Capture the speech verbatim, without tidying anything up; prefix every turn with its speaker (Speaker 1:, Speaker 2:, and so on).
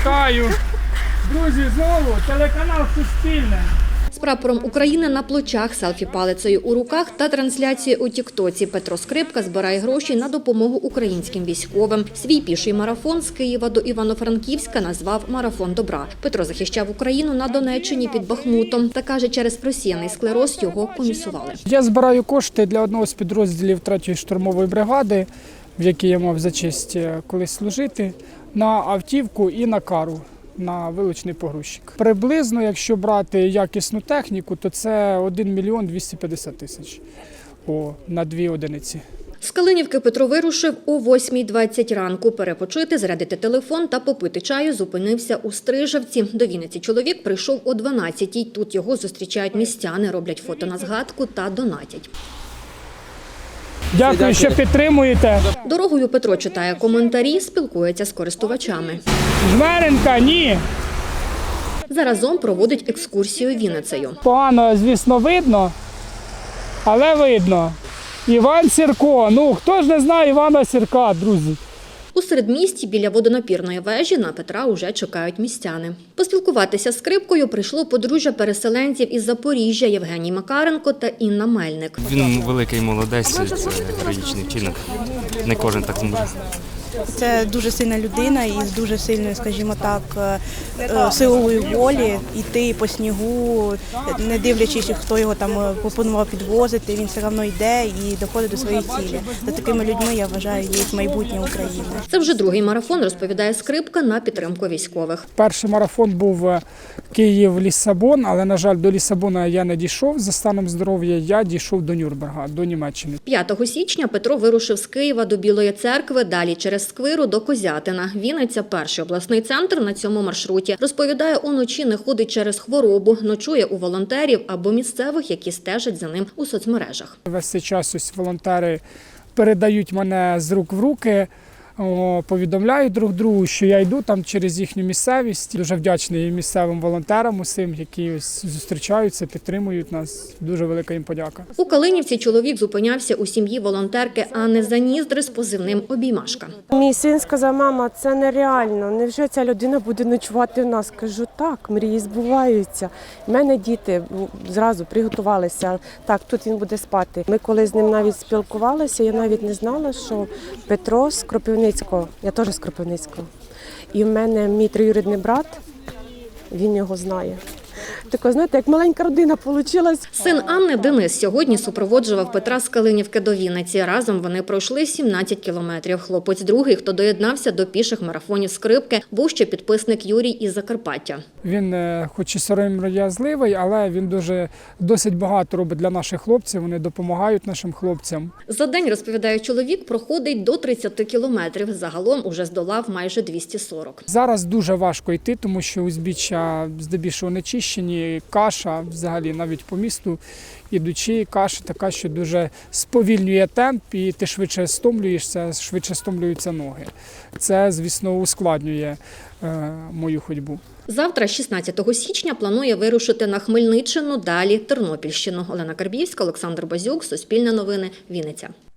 Speaker 1: Вітаю! Друзі, знову телеканал Суспільне.
Speaker 2: З прапором України на плечах, селфі-палицею у руках та трансляцією у тіктоці Петро Скрипка збирає гроші на допомогу українським військовим. Свій піший марафон з Києва до Івано-Франківська назвав «Марафон добра». Петро захищав Україну на Донеччині під Бахмутом. Та каже, через просіяний склероз його комісували.
Speaker 1: Я збираю кошти для одного з підрозділів третьої штурмової бригади, в якій я мав за честь колись служити, на автівку і на кару. На вилучний погрузчик. Приблизно, якщо брати якісну техніку, то це один мільйон двісті п'ятдесят тисяч О, на дві одиниці.
Speaker 2: З Калинівки Петро вирушив о восьмій двадцять ранку. Перепочити, зарядити телефон та попити чаю зупинився у Стрижавці. До Вінниці чоловік прийшов о дванадцятій. Тут його зустрічають містяни, роблять фото на згадку та донатять.
Speaker 1: Дякую, що підтримуєте.
Speaker 2: Дорогою Петро читає коментарі, спілкується з користувачами.
Speaker 1: Жмеренка, ні.
Speaker 2: Заразом проводить екскурсію Вінницею.
Speaker 1: Погано, звісно, видно, але видно. Іван Сірко. Ну, хто ж не знає Івана Сірка, друзі?
Speaker 2: У середмісті біля водонапірної вежі на Петра уже чекають містяни. Поспілкуватися з Скрипкою прийшло подружжя переселенців із Запоріжжя Євгеній Макаренко та Інна Мельник.
Speaker 3: Він великий молодець, це героїчний вчинок. Не кожен так зможе.
Speaker 4: Це дуже сильна людина із дуже сильною, скажімо так, силової волі. Йти по снігу, не дивлячись, хто його там пропонував підвозити, він все одно йде і доходить до своєї цілі. За такими людьми, я вважаю, є майбутнє України.
Speaker 2: Це вже другий марафон, розповідає Скрипка, на підтримку військових.
Speaker 1: Перший марафон був Київ-Ліссабон, але, на жаль, до Ліссабона я не дійшов. За станом здоров'я я дійшов до Нюрнберга, до Німеччини.
Speaker 2: п'ятого січня Петро вирушив з Києва до Білої церкви, далі через Сквиру до Козятина. Вінниця – перший обласний центр на цьому маршруті. Розповідає, уночі не ходить через хворобу, ночує у волонтерів або місцевих, які стежать за ним у соцмережах.
Speaker 1: Весь цей час ось волонтери передають мене з рук в руки, о, повідомляють друг другу, що я йду там через їхню місцевість. Дуже вдячний місцевим волонтерам усім, які ось зустрічаються, підтримують нас. Дуже велика їм подяка.
Speaker 2: У Калинівці чоловік зупинявся у сім'ї волонтерки Анни Заніздри з позивним «Обіймашка».
Speaker 5: Мій син сказав: мама, це нереально, невже ця людина буде ночувати в нас? Кажу, так, мрії збуваються. У мене діти зразу приготувалися, так, тут він буде спати. Ми коли з ним навіть спілкувалися, я навіть не знала, що Петро з Кропивницького, я теж з Кропивницького. І в мене мій троюрідний брат, він його знає. Тако, знаєте, як маленька родина вийшла.
Speaker 2: Син Анни Денис сьогодні супроводжував Петра з Калинівки до Вінниці. Разом вони пройшли сімнадцять кілометрів. Хлопець другий, хто доєднався до піших марафонів Скрипки, був ще підписник Юрій із Закарпаття.
Speaker 1: Він хоч і сором'язливий, але він дуже досить багато робить для наших хлопців, вони допомагають нашим хлопцям.
Speaker 2: За день, розповідає чоловік, проходить до тридцяти кілометрів. Загалом уже здолав майже двісті сорок.
Speaker 1: Зараз дуже важко йти, тому що узбіччя здебільшого не чищені, каша взагалі навіть по місту ідучи, каша така, що дуже сповільнює темп і ти швидше стомлюєшся, швидше стомлюються ноги. Це, звісно, ускладнює е, мою ходьбу.
Speaker 2: Завтра, шістнадцятого січня, планує вирушити на Хмельниччину, далі Тернопільщину. Олена Карбівська, Олександр Базюк, Суспільне новини, Вінниця.